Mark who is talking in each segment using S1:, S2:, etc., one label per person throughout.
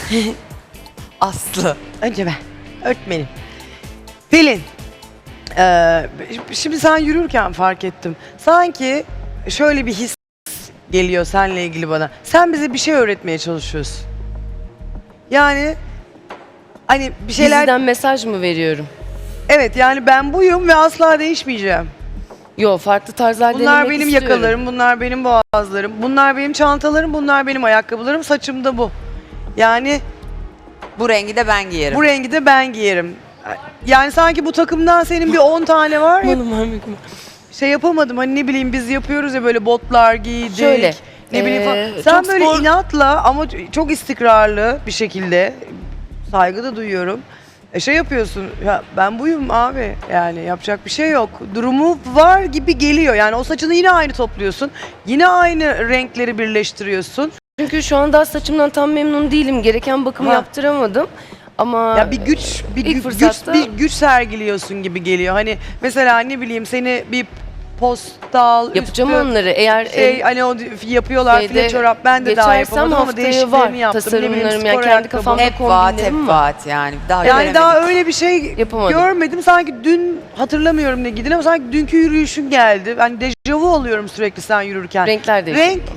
S1: Aslı.
S2: Önce ben. Öğretmenim. Pelin. Şimdi sen yürürken fark ettim. Sanki şöyle bir his geliyor seninle ilgili bana. Sen bize bir şey öğretmeye çalışıyorsun. Yani hani bir şeyler...
S3: Diziden mesaj mı veriyorum?
S2: Evet yani ben buyum ve asla değişmeyeceğim.
S3: Yo, farklı tarzlar
S2: Bunlar
S3: denemek
S2: benim
S3: istiyorum.
S2: yakalarım, bunlar benim boğazlarım, bunlar benim çantalarım, bunlar benim ayakkabılarım, saçım da bu. Yani
S1: Bu rengi de ben giyerim.
S2: bu rengi de ben giyerim. Yani sanki bu takımdan senin bir 10 tane var ya,
S3: Aman Allah'ım.
S2: şey yapamadım hani ne bileyim biz yapıyoruz ya böyle botlar giydik.
S3: Şöyle,
S2: Ne bileyim falan. Sen
S3: çok
S2: böyle
S3: spor-
S2: inatla ama çok istikrarlı bir şekilde saygı da duyuyorum. Şey yapıyorsun, ya ben buyum abi yani yapacak bir şey yok. Durumu var gibi geliyor yani o saçını yine aynı topluyorsun. Yine aynı renkleri birleştiriyorsun.
S3: Çünkü şu an daha saçımdan tam memnun değilim. Gereken bakımı
S2: Ha.
S3: yaptıramadım. Ama
S2: Ya bir
S3: ilk fırsatta-
S2: bir güç sergiliyorsun gibi geliyor. Hani mesela ne bileyim seni bir postal
S3: yapacağım
S2: üstü
S3: onları. Eğer
S2: hani o yapıyorlar
S3: şeyde
S2: file çorap ben de daha
S3: geçersem
S2: yapamadım ama
S3: haftaya
S2: değişiklerini
S3: var.
S2: yaptım. Ne bileyim,
S3: Tasarımlarım
S2: spor
S3: yani kendi
S2: ayakkabı.
S3: kafamda
S1: Hep vaat, hep
S3: kombinlerim var.
S1: vaat yani. Daha
S2: Yani
S1: göremedik.
S2: daha öyle bir şey
S3: Yapamadım.
S2: görmedim. Sanki dün hatırlamıyorum ne giydin ama sanki dünkü yürüyüşün geldi. Hani dejavu oluyorum sürekli sen yürürken.
S3: Renkler değişiyor.
S2: Renk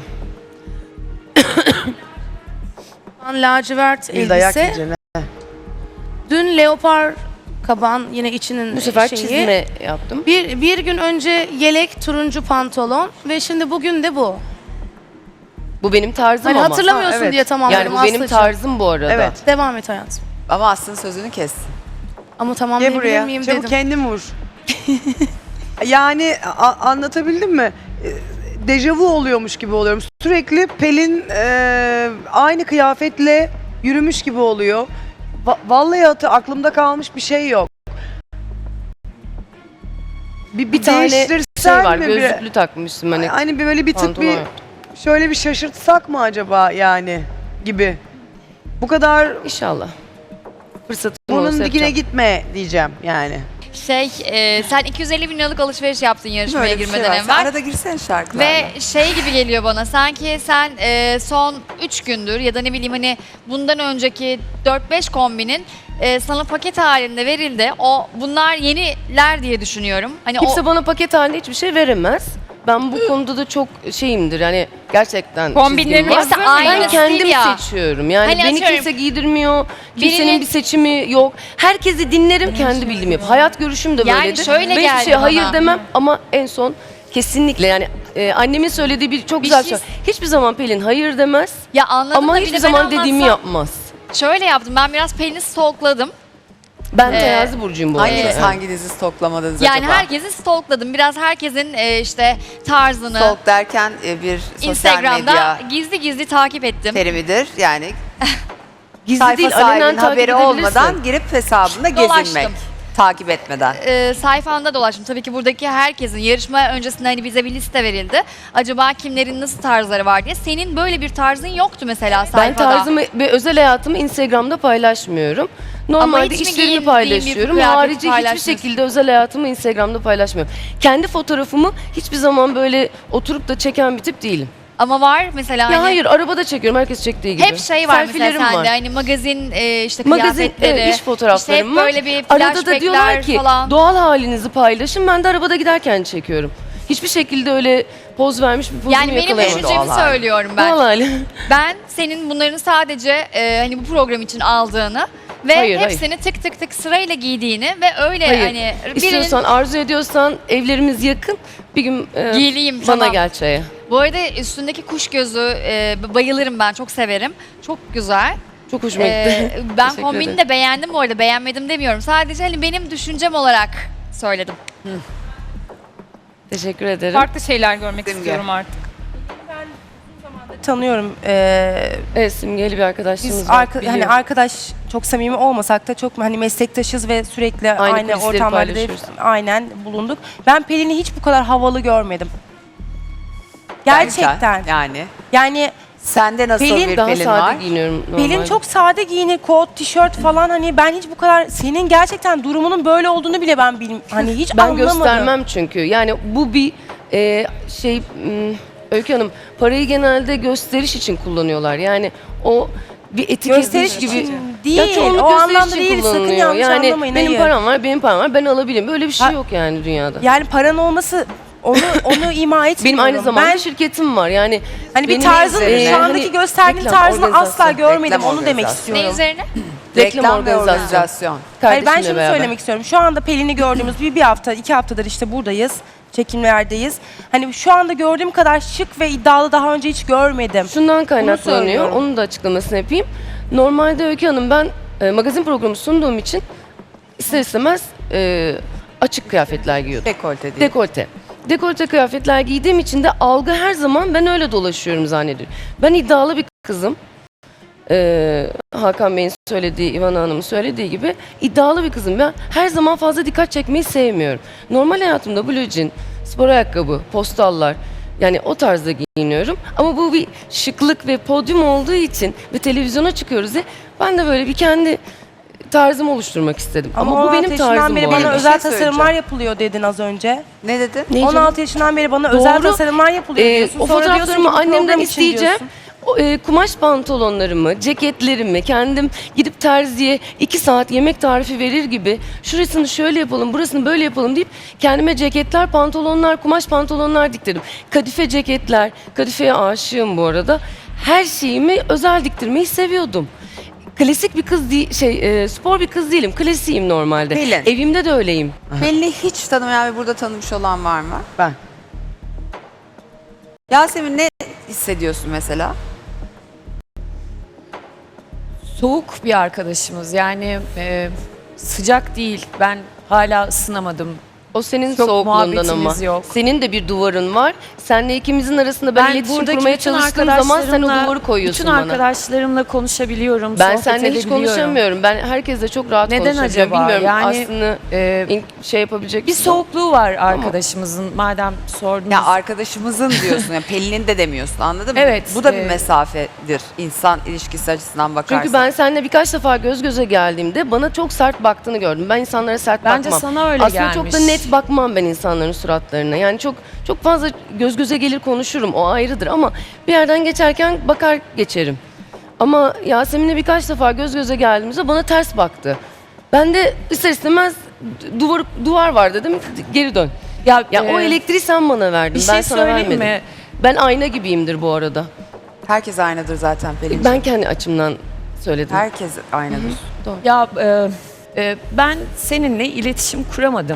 S4: Lacivert
S2: bir dayak
S4: elbise.
S2: yiyeceksin.
S4: Dün leopar kaban yine içinin
S3: Bu sefer
S4: şeyi.
S3: çizme yaptım.
S4: Bir gün önce yelek turuncu pantolon ve şimdi bugün de bu.
S3: Bu benim tarzım
S4: Hani
S3: ama.
S4: hatırlamıyorsun
S2: Ha, evet.
S4: diye tamamladım
S3: Yani bu benim
S4: Aslı'cığım.
S3: tarzım bu arada.
S2: Evet.
S4: Devam et hayatım.
S1: Ama Aslı'nın sözünü kes.
S4: Ama
S2: Gel
S4: tamamlayabilir
S2: buraya.
S4: miyim
S2: Çabuk
S4: dedim.
S2: kendin vur. Yani anlatabildim mi? Dejavu oluyormuş gibi oluyorum. Sürekli Pelin aynı kıyafetle yürümüş gibi oluyor. Vallahi aklımda kalmış bir şey yok. Bir
S3: tane
S2: değiştirsen
S3: şey var,
S2: mi?
S3: gözlüklü takmıştım hani.
S2: Hani bir böyle bir tık
S3: pantolon
S2: bir
S3: yok.
S2: şöyle bir şaşırtsak mı acaba yani gibi. Bu kadar
S3: İnşallah. Fırsatım
S2: bunun
S3: olsa
S2: dikine
S3: yapacağım.
S2: gitme diyeceğim yani.
S5: Sen 250 bin liralık alışveriş yaptın yarışmaya
S1: Böyle bir şey
S5: girmeden
S1: var. Sen
S5: evvel.
S1: arada girsene şarkılarla.
S5: Ve şey gibi geliyor bana sanki sen son 3 gündür ya da ne bileyim hani bundan önceki 4-5 kombinin sana paket halinde verildi. Bunlar yeniler diye düşünüyorum. Hani
S3: Kimse
S5: o
S3: bana paket halinde hiçbir şey veremez. Ben bu konuda da çok şeyimdir yani gerçekten
S5: Kombinlerin
S3: çizgim var.
S5: hepsi aynı
S3: Ben kendim
S5: stil ya.
S3: seçiyorum. Yani
S5: Hani
S3: beni
S5: atıyorum,
S3: kimse giydirmiyor. Kimsenin
S5: birinin-
S3: bir seçimi yok. Herkesi dinlerim, kendi bildiğimi yap. Hayat görüşüm de
S5: Yani
S3: böyledir.
S5: şöyle
S3: Ben hiçbir
S5: geldi
S3: şeye hayır
S5: bana.
S3: demem ama en son kesinlikle yani annemin söylediği bir çok
S5: Bir
S3: güzel
S5: şey-
S3: şey. Hiçbir zaman Pelin hayır demez
S5: ya anladım
S3: ama
S5: da bir
S3: hiçbir
S5: de ben
S3: zaman dediğimi
S5: anlatsam-
S3: yapmaz.
S5: Şöyle yaptım ben biraz Pelin'i stalkladım.
S3: Ben
S5: Ee,
S3: terazi burcuyum bu arada.
S1: Hanginiz
S3: Evet.
S1: hanginizi stoklamadınız
S5: Yani
S1: acaba?
S5: herkesi stalkladım. Biraz herkesin işte tarzını
S1: Stalk derken bir sosyal
S5: Instagram'da
S1: medya
S5: gizli gizli takip ettim.
S1: terimidir. Yani
S3: Gizli
S1: sayfa
S3: değil, alenen
S1: sahibinin
S3: takip
S1: haberi
S3: edebilirsin.
S1: olmadan girip hesabında
S5: Dolaştım.
S1: gezinmek. Takip etmeden.
S5: Sayfanda dolaştım. Tabii ki buradaki herkesin yarışma öncesinde hani bize bir liste verildi. Acaba kimlerin nasıl tarzları var diye. Senin böyle bir tarzın yoktu mesela
S3: Ben
S5: sayfada.
S3: tarzımı ve özel hayatımı Instagram'da paylaşmıyorum. Normalde
S5: hiç mi
S3: işlerimi
S5: giyindiğin bir
S3: paylaşıyorum.
S5: kıyafeti
S3: Harici hiçbir
S5: paylaşmıyorsun?
S3: şekilde özel hayatımı Instagram'da paylaşmıyorum. Kendi fotoğrafımı hiçbir zaman böyle oturup da çeken bir tip değilim.
S5: Ama var mesela
S3: Ya
S5: hani
S3: hayır, arabada çekiyorum herkes çektiği gibi.
S5: hep şey var mesela
S3: Selfilerim
S5: sende
S3: var.
S5: hani magazin işte
S3: Magazin,
S5: kıyafetleri.
S3: evet, iş fotoğraflarım
S5: işte hep
S3: var.
S5: böyle bir
S3: Arada da diyorlar
S5: flashbackler
S3: ki
S5: falan.
S3: doğal halinizi paylaşın. Ben de arabada giderken çekiyorum. Hiçbir şekilde öyle poz vermiş bir pozumu
S5: Yani benim
S3: yakalayamadım.
S5: düşüncemi
S1: Doğal hali.
S5: söylüyorum ben.
S3: Doğal hali.
S5: Ben senin bunların sadece hani bu program için aldığını ve
S3: Hayır,
S5: hepsini tık tık tık sırayla giydiğini ve öyle
S3: Hayır.
S5: hani
S3: İstiyorsan, arzu ediyorsan evlerimiz yakın. Bir gün
S5: Giyileyim,
S3: bana
S5: tamam.
S3: gel çaya.
S5: Bu arada üstündeki kuş gözü bayılırım ben çok severim. Çok güzel.
S3: Çok hoşuma gitti.
S5: Ben
S3: Teşekkür
S5: kombini
S3: ederim.
S5: de beğendim bu arada. Beğenmedim demiyorum. Sadece hani benim düşüncem olarak söyledim.
S3: Teşekkür ederim.
S6: Farklı şeyler görmek
S1: Simge.
S6: istiyorum artık.
S7: Tanıyorum.
S3: Evet, simgeli bir arkadaşlığımız
S7: Biz
S3: var.
S7: hani
S3: biliyorum.
S7: arkadaş çok samimi olmasak da çok hani meslektaşız ve sürekli
S3: Aynı
S7: aynı
S3: kulisleri
S7: ortamlarda
S3: paylaşıyoruz.
S7: aynen bulunduk. Ben Pelin'i hiç bu kadar havalı görmedim. Gerçekten.
S1: Yani.
S7: Yani
S1: Sende nasıl
S7: Pelin
S1: bir
S3: daha
S1: Pelin
S3: sade
S1: var?
S3: giyiniyorum
S7: Pelin
S3: normalde.
S7: çok sade giyinir, kot, tişört falan hani ben hiç bu kadar senin gerçekten durumunun böyle olduğunu bile ben hani hiç
S3: Ben
S7: anlamadım.
S3: göstermem çünkü. Yani bu bir Öykü Hanım, parayı genelde gösteriş için kullanıyorlar. Yani o bir etiket
S7: Gösteriş
S3: gibi.
S7: için
S3: Ya
S7: değil.
S3: çoğunluk
S7: O
S3: gösteriş
S7: anlamda
S3: için
S7: değil. Sakın
S3: kullanılıyor.
S7: yanlış
S3: Yani
S7: anlamayın.
S3: benim
S7: hayır.
S3: param var, benim param var, ben alabilirim. Böyle bir şey
S7: Ha-
S3: yok yani dünyada.
S7: Yani paran olması onu ima etmiyorum.
S3: Benim aynı zamanda
S7: ben,
S3: şirketim var. Yani
S7: hani bir
S3: benim
S7: tarzın
S1: üzerine-
S7: şu andaki
S3: hani
S7: gösterdiğin
S3: reklam,
S7: tarzını asla
S3: organizasyon.
S7: görmedim.
S1: Reklam
S7: Onu demek
S1: organizasyon.
S5: Ne
S7: istiyorum.
S5: üzerine?
S3: reklam
S1: ve
S3: organizasyon.
S1: organizasyon.
S7: Hayır, ben
S3: Kardeşimle
S7: şunu
S3: beraber.
S7: söylemek istiyorum. Şu anda Pelin'i gördüğümüz bir hafta, 2 haftadır işte buradayız. Çekimlerdeyiz. Hani şu anda gördüğüm kadar şık ve iddialı daha önce hiç görmedim.
S3: Şundan kaynaklanıyor.
S7: söylüyorum.
S3: Onun da açıklamasını yapayım. Normalde Öykü Hanım ben magazin programı sunduğum için ister istemez açık kıyafetler giyiyordum.
S1: Dekolte değil.
S3: Dekolte. Dekolte kıyafetler giydiğim için de algı her zaman ben öyle dolaşıyorum zannediyorum. Ben iddialı bir kızım. Hakan Bey'in söylediği, İvan Hanım'ın söylediği gibi iddialı bir kızım. Ben her zaman fazla dikkat çekmeyi sevmiyorum. Normal hayatımda blue jean, spor ayakkabı, postallar yani o tarzda giyiniyorum. Ama bu bir şıklık ve podyum olduğu için ve televizyona çıkıyoruz diye ben de böyle bir kendi tarzımı oluşturmak istedim. Ama bu
S7: 16
S3: benim
S7: yaşından
S3: tarzım
S7: beri
S3: bu
S7: bana
S3: arada.
S1: Bir şey
S7: özel
S1: söyleyeceğim.
S7: tasarımlar yapılıyor dedin az önce.
S1: Ne dedin?
S3: Ne canım?
S7: 16 yaşından beri bana özel
S3: Doğru.
S7: tasarımlar yapılıyor diyorsun.
S3: O
S7: Sonra diyorsun ki
S3: fotoğraflarımı
S7: bu
S3: annemden
S7: program için
S3: isteyeceğim.
S7: diyorsun.
S3: Kumaş pantolonlarımı, ceketlerimi kendim gidip terziye 2 saat yemek tarifi verir gibi şurasını şöyle yapalım, burasını böyle yapalım deyip kendime ceketler, pantolonlar, kumaş pantolonlar diktirdim. Kadife ceketler, kadifeye aşığım bu arada. Her şeyimi özel diktirmeyi seviyordum. Klasik bir kız değil, spor bir kız değilim. Klasiyim normalde.
S1: Pelin.
S3: Evimde de öyleyim.
S1: Pelin'i hiç tanımayan ve burada tanımış olan var mı?
S2: Ben.
S1: Yasemin ne hissediyorsun mesela?
S6: Soğuk bir arkadaşımız yani sıcak değil. Ben hala ısınamadım.
S3: O senin
S6: Çok
S3: soğukluğundan ama.
S6: muhabbetimiz yok.
S3: Senin de bir duvarın var. Senle ikimizin arasında ben iletişim
S6: buradaki
S3: kurmaya
S6: bütün
S3: çalıştığım zaman sen o
S6: arkadaşlarımla-
S3: duvarı koyuyorsun
S6: bütün
S3: bana.
S6: arkadaşlarımla konuşabiliyorum.
S3: Ben
S6: sohbet
S3: seninle hiç
S6: edebiliyorum.
S3: konuşamıyorum. Ben herkesle çok rahat
S6: Neden
S3: konuşabiliyorum.
S6: acaba?
S3: Bilmiyorum
S6: Yani,
S3: aslında şey yapabilecek
S6: Bir
S3: misin?
S6: soğukluğu var arkadaşımızın madem sordunuz.
S1: Ya arkadaşımızın diyorsun ya Pelin'in de demiyorsun anladın mı?
S6: Evet,
S1: Bu da bir mesafedir insan ilişkisi açısından bakarsan.
S3: Çünkü ben seninle birkaç defa göz göze geldiğimde bana çok sert baktığını gördüm. Ben insanlara sert
S6: Bence
S3: bakmam.
S6: sana öyle
S3: Aslında
S6: gelmiş.
S3: çok da net bakmam ben insanların suratlarına. Yani çok fazla göz göze gelir konuşurum. O ayrıdır ama bir yerden geçerken bakar geçerim. Ama Yasemin'le birkaç defa göz göze geldiğimizde bana ters baktı. Ben de ister istemez duvar var dedim. Geri dön. Ya o elektriği sen bana verdin.
S6: bir
S3: Ben
S6: şey
S3: sana
S6: söyleyeyim
S3: vermedim.
S6: mi?
S3: Ben ayna gibiyimdir bu arada.
S1: Herkes aynıdır zaten Pelin'ciğim.
S3: Ben kendi açımdan söyledim.
S1: Herkes aynıdır.
S6: Ya ben seninle iletişim kuramadım.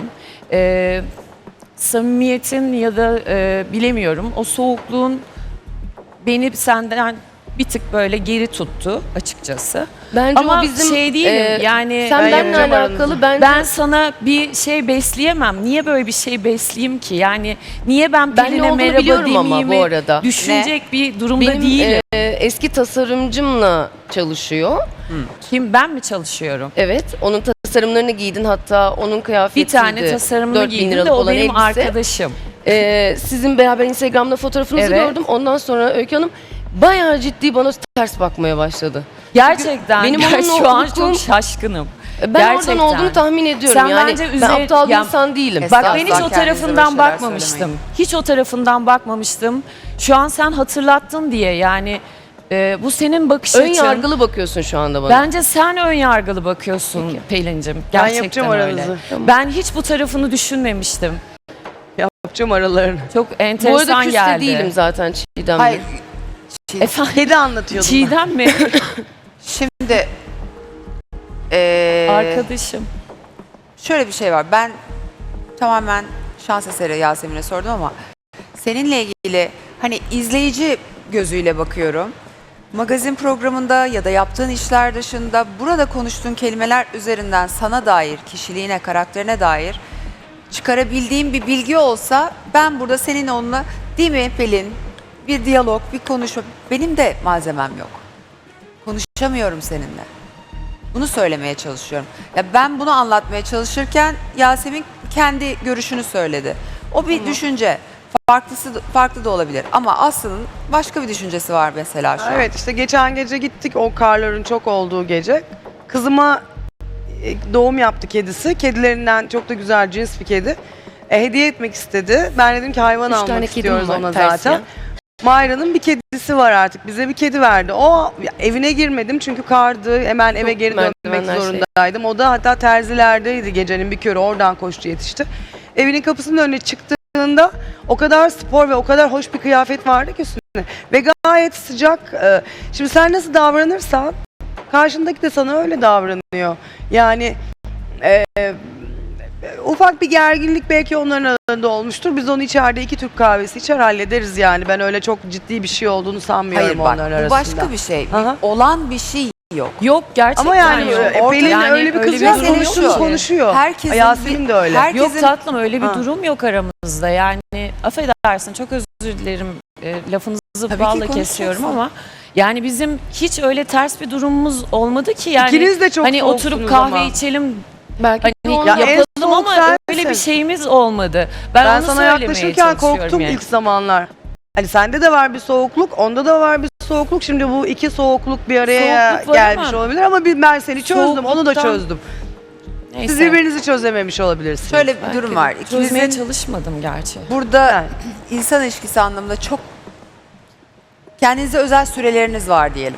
S6: Samimiyetin ya da bilemiyorum o soğukluğun beni senden bir tık böyle geri tuttu açıkçası.
S3: Bence
S6: Ama
S3: o bizim
S6: şey değilim yani
S3: sen benimle
S2: yapacağım
S3: alakalı
S6: ben sana bir şey besleyemem. Niye böyle bir şey besleyeyim ki? Yani niye ben
S3: Ben ne
S6: Pelin'e
S3: olduğunu
S6: merhaba
S3: biliyorum ama
S6: demeyeyimi
S3: bu arada.
S6: düşünecek bir durumda
S3: benim
S6: değilim.
S3: eski tasarımcımla çalışıyor.
S6: Kim ben mi çalışıyorum?
S3: Evet, onun tasarımlarını giydin hatta onun
S6: Bir
S3: kıyafetiydi.
S6: tane tasarımını
S3: 4.000
S6: giydim
S3: liralık
S6: de o
S3: olan
S6: benim
S3: elbise.
S6: arkadaşım.
S3: Sizin beraber Instagram'da fotoğrafınızı
S6: Evet.
S3: gördüm. Ondan sonra Öykü Hanım bayağı ciddi bana ters bakmaya başladı.
S6: Gerçekten
S3: benim
S6: ben
S3: onunla
S6: şu an
S3: hukukum-
S6: çok şaşkınım.
S3: Ben
S6: Gerçekten.
S3: oradan olduğunu tahmin ediyorum.
S6: Sen
S3: yani
S6: bence
S3: ben aptal bir
S6: ya-
S3: insan değilim.
S1: Estağfurullah.
S6: Bak ben hiç o
S1: Kendinize böyle
S6: tarafından
S1: şeyler
S6: bakmamıştım.
S1: söylemeyin.
S6: Hiç o tarafından bakmamıştım. Şu an sen hatırlattın diye yani bu senin bakış
S3: Ön
S6: açın.
S3: yargılı bakıyorsun şu anda bana.
S6: Bence sen ön yargılı bakıyorsun Pelin'cim. Gerçekten
S2: yapacağım
S6: öyle.
S2: aranızı.
S6: Ben hiç bu tarafını düşünmemiştim.
S2: Yapacağım aralarını.
S6: Çok
S3: Bu arada
S6: enteresan
S3: küs de
S6: geldi.
S3: değilim zaten Çiğdem'le.
S1: Hayır.
S6: Efendim
S2: Kedi anlatıyordum ben.
S6: Çiğdem mi?
S1: Şimdi
S6: Arkadaşım.
S1: şöyle bir şey var. Ben tamamen şans eseri Yasemin'e sordum ama seninle ilgili hani izleyici gözüyle bakıyorum. Magazin programında ya da yaptığın işler dışında burada konuştuğun kelimeler üzerinden sana dair, kişiliğine, karakterine dair çıkarabildiğim bir bilgi olsa ben burada senin onunla değil mi Pelin? Bir diyalog, bir konuşma. Benim de malzemem yok. Konuşamıyorum seninle. Bunu söylemeye çalışıyorum. Ya ben bunu anlatmaya çalışırken Yasemin kendi görüşünü söyledi. O bir düşünce. Farklı da olabilir. Ama Aslı'nın başka bir düşüncesi var mesela şu an.
S2: Evet işte geçen gece gittik o karların çok olduğu gece. Kızıma doğum yaptı kedisi. Kedilerinden çok da güzel cins bir kedi. Hediye etmek istedi. Ben dedim ki hayvan
S3: 3 tane
S2: almak
S3: kedim
S2: istiyoruz
S3: var,
S2: ona
S3: Persiyen.
S2: zaten. Mayra'nın bir kedisi var artık. Bize bir kedi verdi. O evine girmedim çünkü kardı. Hemen eve
S3: Çok
S2: geri dönmek
S3: merdivenler
S2: zorundaydım. O da hatta terzilerdeydi, gecenin bir körü oradan koştu yetişti. Evinin kapısının önüne çıktığında o kadar spor ve o kadar hoş bir kıyafet vardı ki üstüne. Ve gayet sıcak. Şimdi sen nasıl davranırsan karşındaki de sana öyle davranıyor. Yani ufak bir gerginlik belki onların arasında olmuştur. Biz onu içeride 2 Türk kahvesi içer hallederiz yani. Ben öyle çok ciddi bir şey olduğunu sanmıyorum
S1: Hayır bak
S2: onların
S1: bu
S2: arasında.
S1: başka bir şey.
S2: Aha.
S1: Olan bir şey yok.
S6: Yok gerçekten
S2: Ama yani
S6: yok.
S2: Pelin
S6: Yani
S2: öyle bir kız
S6: öyle
S2: yok.
S6: durum yok
S2: Konuştuğunu
S6: ki.
S2: konuşuyor.
S1: Herkesin
S2: Yasemin de öyle.
S1: herkesin-
S6: Yok tatlım öyle bir
S2: Ha.
S6: durum yok aramızda. Yani affedersin çok özür dilerim. Lafınızı
S1: Tabii ki
S6: balla
S1: konuşacaksın.
S6: kesiyorum ama yani bizim hiç öyle ters bir durumumuz olmadı ki yani.
S2: İkiniz de çok
S6: hani
S2: soğuksunuz
S6: oturup kahve
S2: ama.
S6: içelim
S3: Belki
S6: hani
S3: de
S2: Ya en
S6: yapalım
S2: soğuk
S6: ama
S2: sensin.
S6: öyle bir şeyimiz olmadı. Ben
S2: Ben
S6: onu
S2: sana
S6: söylemeye
S2: yaklaşırken
S6: çalışıyorum
S2: korktum
S6: yani.
S2: ilk zamanlar. Hani sende de var bir soğukluk, onda da var bir soğukluk. Şimdi bu iki soğukluk bir araya
S6: Soğukluk var
S2: gelmiş
S6: ama
S2: olabilir ama ben seni çözdüm, onu da
S6: soğukluktan-
S2: çözdüm.
S6: Neyse.
S2: Siz birbirinizi çözememiş olabilirsiniz.
S1: Şöyle bir
S6: Belki
S1: durum var.
S6: Çözmeye
S1: İkinizin
S6: çalışmadım gerçi.
S1: burada
S2: Yani.
S1: insan ilişkisi anlamında çok kendinize özel süreleriniz var diyelim.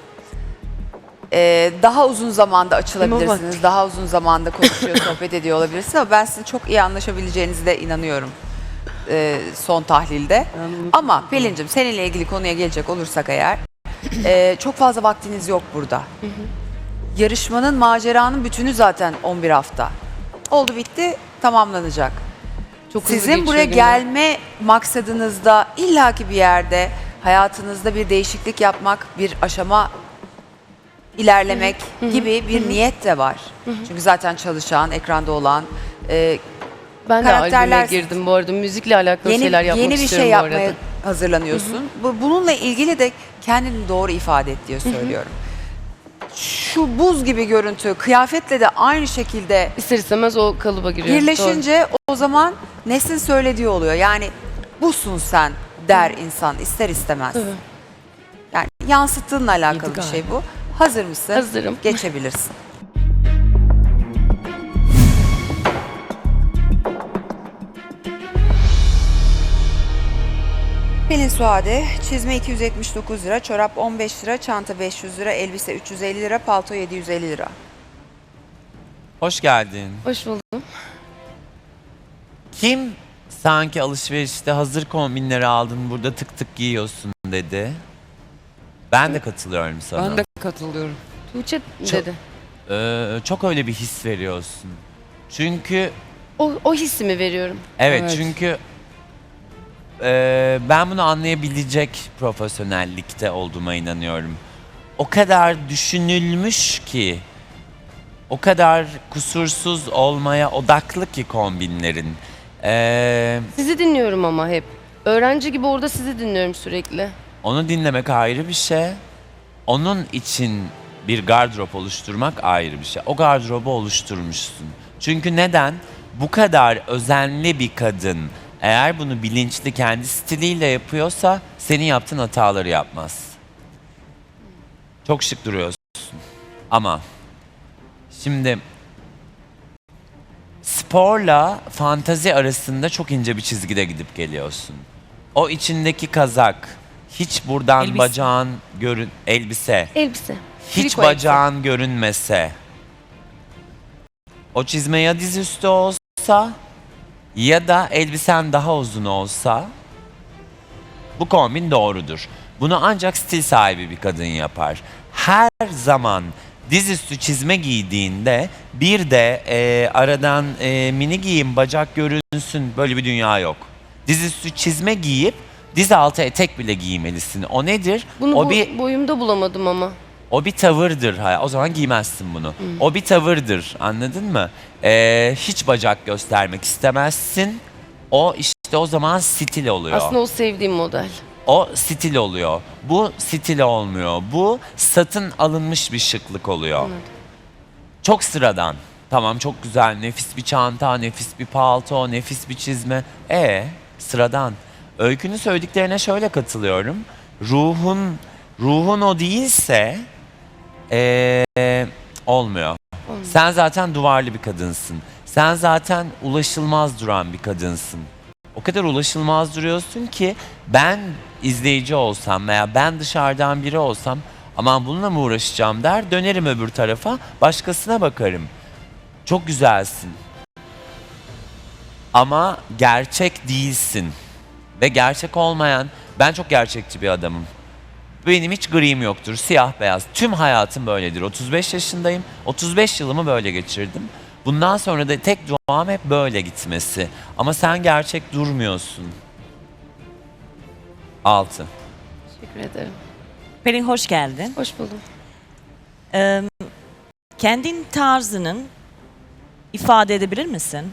S1: Daha uzun zamanda açılabilirsiniz. Daha uzun zamanda konuşuyor, sohbet ediyor olabilirsiniz ama ben sizin çok iyi anlaşabileceğinize de inanıyorum son tahlilde. Ama Pelin'cim seninle ilgili konuya gelecek olursak eğer çok fazla vaktiniz yok burada. Yarışmanın, maceranın bütünü zaten 11 hafta. Oldu bitti, tamamlanacak.
S3: Çok hızlı
S1: Sizin
S3: geçiyor
S1: buraya
S3: günler.
S1: gelme maksadınızda illaki bir yerde hayatınızda bir değişiklik yapmak, bir aşama ilerlemek gibi bir niyet de var. Çünkü zaten çalışan, ekranda olan,
S3: Ben de albüme
S1: karakterler-
S3: girdim bu arada. Müzikle alakalı şeyler yapmak
S1: yeni bir
S3: istiyorum
S1: şey
S3: bu
S1: yapmaya
S3: arada.
S1: hazırlanıyorsun. Bununla ilgili de kendini doğru ifade et diye söylüyorum. Şu buz gibi görüntü, kıyafetle de aynı şekilde
S3: İster istemez o kalıba giriyor. Doğru.
S1: birleşince o zaman Nesin söylediği oluyor. Yani busun sen der insan ister istemez.
S3: Tabii.
S1: Yani yansıttığınla alakalı
S3: Yedi
S1: bir şey bu. Hazır mısın?
S3: Hazırım.
S1: Geçebilirsin. Pelin Suade, çizme 279 lira, çorap 15 lira, çanta 500 lira, elbise 350 lira, palto 750 lira.
S8: Hoş geldin.
S3: Hoş buldum.
S8: Kim sanki alışverişte hazır kombinleri aldın burada tık tık giyiyorsun dedi. Ben de katılıyorum sana.
S9: Ben de katılıyorum.
S3: Tuğçe
S8: Çok-
S3: dedi.
S8: Çok öyle bir his veriyorsun. Çünkü
S3: O hissimi veriyorum.
S8: evet,
S9: Evet.
S8: çünkü ben bunu anlayabilecek profesyonellikte olduğuma inanıyorum. O kadar düşünülmüş ki, o kadar kusursuz olmaya odaklı ki kombinlerin.
S3: Sizi dinliyorum ama hep. Öğrenci gibi orada sizi dinliyorum sürekli.
S8: Onu dinlemek ayrı bir şey. Onun için bir gardırop oluşturmak ayrı bir şey. O gardırobu oluşturmuşsun. Çünkü neden? Bu kadar özenli bir kadın eğer bunu bilinçli kendi stiliyle yapıyorsa senin yaptığın hataları yapmaz. Çok şık duruyorsun. Ama şimdi sporla fantazi arasında çok ince bir çizgide gidip geliyorsun. O içindeki kazak hiç buradan
S6: Elbise.
S8: bacağın elbise
S3: Elbise.
S8: hiç
S3: Triko elbise.
S8: bacağın görünmese, o çizme ya dizüstü olsa ya da elbisen daha uzun olsa bu kombin doğrudur. Bunu ancak stil sahibi bir kadın yapar. Her zaman dizüstü çizme giydiğinde bir de aradan mini giyim bacak görünsün, böyle bir dünya yok. Dizüstü çizme giyip diz altı etek bile giymelisin. O nedir?
S3: Bunu
S8: o bir
S3: boyumda bulamadım ama.
S8: o bir tavırdır. O zaman giymezsin bunu. O bir tavırdır. Anladın mı? Hiç bacak göstermek istemezsin. O işte o zaman stil oluyor.
S3: Aslında o sevdiğim model.
S8: O stil oluyor. Bu stil olmuyor. Bu satın alınmış bir şıklık oluyor.
S3: Anladım.
S8: Çok sıradan. Tamam, çok güzel. Nefis bir çanta, nefis bir palto, nefis bir çizme. Sıradan. Öykünün söylediklerine şöyle katılıyorum. Ruhun o değilse olmuyor. Sen zaten duvarlı bir kadınsın. Sen zaten ulaşılmaz duran bir kadınsın. O kadar ulaşılmaz duruyorsun ki ben izleyici olsam veya ben dışarıdan biri olsam aman bununla mı uğraşacağım der, dönerim öbür tarafa, başkasına bakarım. Çok güzelsin. Ama gerçek değilsin. Ve gerçek olmayan, ben çok gerçekçi bir adamım. Benim hiç gri'm yoktur, siyah beyaz. Tüm hayatım böyledir. 35 yaşındayım, 35 yılımı böyle geçirdim. Bundan sonra da tek duam hep böyle gitmesi. Ama sen gerçek durmuyorsun. 6.
S3: Teşekkür ederim.
S9: Pelin hoş geldin.
S3: Hoş buldum.
S9: Kendin tarzının ifade edebilir misin?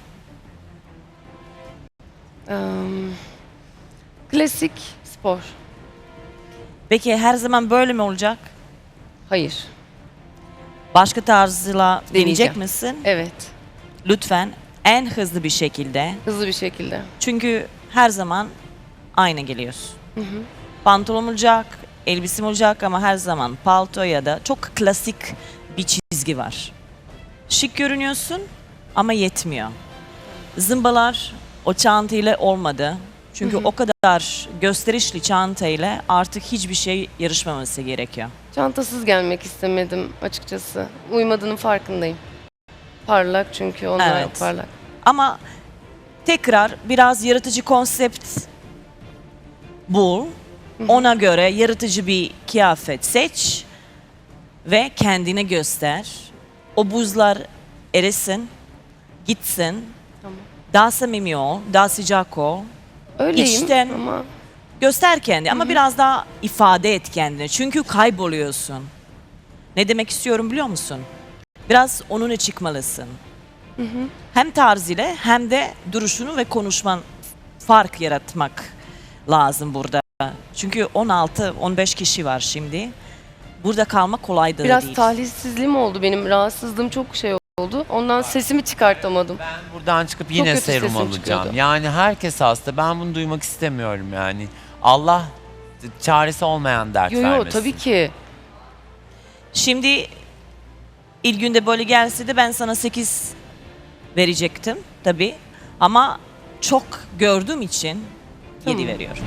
S3: Klasik spor.
S9: Peki her zaman böyle mi olacak?
S3: Hayır.
S9: Başka tarzla deneyecek
S3: Deneyeceğim.
S9: misin?
S3: Evet.
S9: Lütfen en hızlı bir şekilde.
S3: Hızlı bir şekilde.
S9: Çünkü her zaman aynı geliyorsun. Pantolon olacak, elbisim olacak ama her zaman palto ya da çok klasik bir çizgi var. Şık görünüyorsun ama yetmiyor. Zımbalar o çantayla olmadı. Çünkü o kadar gösterişli çantayla artık hiçbir şey yarışmaması gerekiyor.
S3: Çantasız gelmek istemedim açıkçası. Uymadığının farkındayım. Parlak çünkü onlar
S9: Evet.
S3: parlak.
S9: Ama tekrar biraz yaratıcı konsept bul. Ona göre yaratıcı bir kıyafet seç ve kendine göster. O buzlar erisin, gitsin.
S3: Tamam.
S9: Daha samimi ol, daha sıcak ol.
S3: Öyleyim
S9: İçten-
S3: ama
S9: Göster kendini ama biraz daha ifade et kendini. Çünkü kayboluyorsun. Ne demek istiyorum biliyor musun? Biraz onunla çıkmalısın. Hem tarz ile hem de duruşunu ve konuşman fark yaratmak lazım burada. Çünkü 16-15 kişi var şimdi. Burada kalmak kolay da
S3: biraz
S9: değil.
S3: talihsizliğim oldu benim. Rahatsızlığım çok şey oldu. Ondan sesimi çıkartamadım.
S8: Ben buradan çıkıp yine
S3: kötü
S8: serum
S3: sesim
S8: alacağım.
S3: çıkıyordu.
S8: Yani herkes hasta. Ben bunu duymak istemiyorum yani. Allah çaresi olmayan dert
S3: Yo
S8: vermesin.
S3: tabii ki.
S9: Şimdi ilk günde böyle gelse de ben sana 8 verecektim tabii. Ama çok gördüğüm için 7
S3: Tamam.
S9: veriyorum.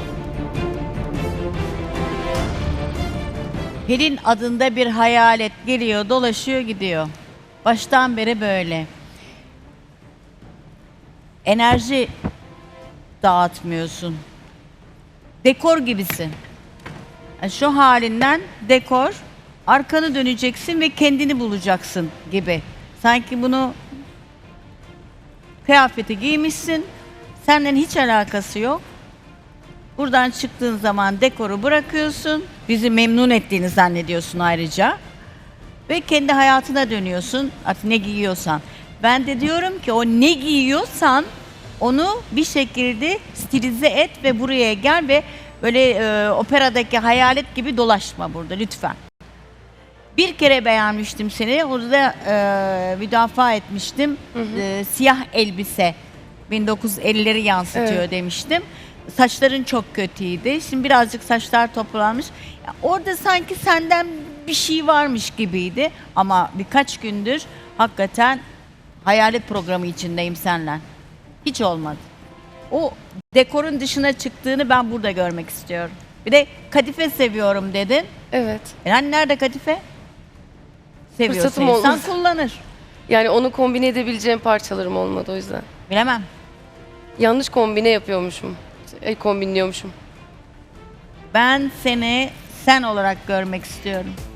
S10: Pelin adında bir hayalet geliyor, dolaşıyor, gidiyor. Baştan beri böyle. Enerji dağıtmıyorsun. Dekor gibisin. Yani şu halinden dekor, arkanı döneceksin ve kendini bulacaksın gibi. Sanki bunu kıyafeti giymişsin, senden hiç alakası yok. Buradan çıktığın zaman dekoru bırakıyorsun. Bizi memnun ettiğini zannediyorsun ayrıca. Ve kendi hayatına dönüyorsun. Artık ne giyiyorsan. Ben de diyorum ki o ne giyiyorsan onu bir şekilde stilize et ve buraya gel ve böyle operadaki hayalet gibi dolaşma burada lütfen. Bir kere beğenmiştim seni. Orada müdafaa etmiştim. Siyah elbise 1950'leri yansıtıyor
S3: Evet.
S10: demiştim. Saçların çok kötüydü. Şimdi birazcık saçlar toplanmış. Ya orada sanki senden bir şey varmış gibiydi. Ama birkaç gündür hakikaten hayalet programı içindeyim seninle. Hiç olmadı. O dekorun dışına çıktığını ben burada görmek istiyorum. Bir de kadife seviyorum dedin.
S3: Evet.
S10: Yani nerede kadife? Seviyorsa
S3: Fırsatım
S10: insan
S3: olmaz.
S10: kullanır.
S3: Yani onu kombine edebileceğim parçalarım olmadı o yüzden.
S10: Bilemem.
S3: Yanlış kombine yapıyormuşum. Kombinliyormuşum.
S10: Ben seni sen olarak görmek istiyorum.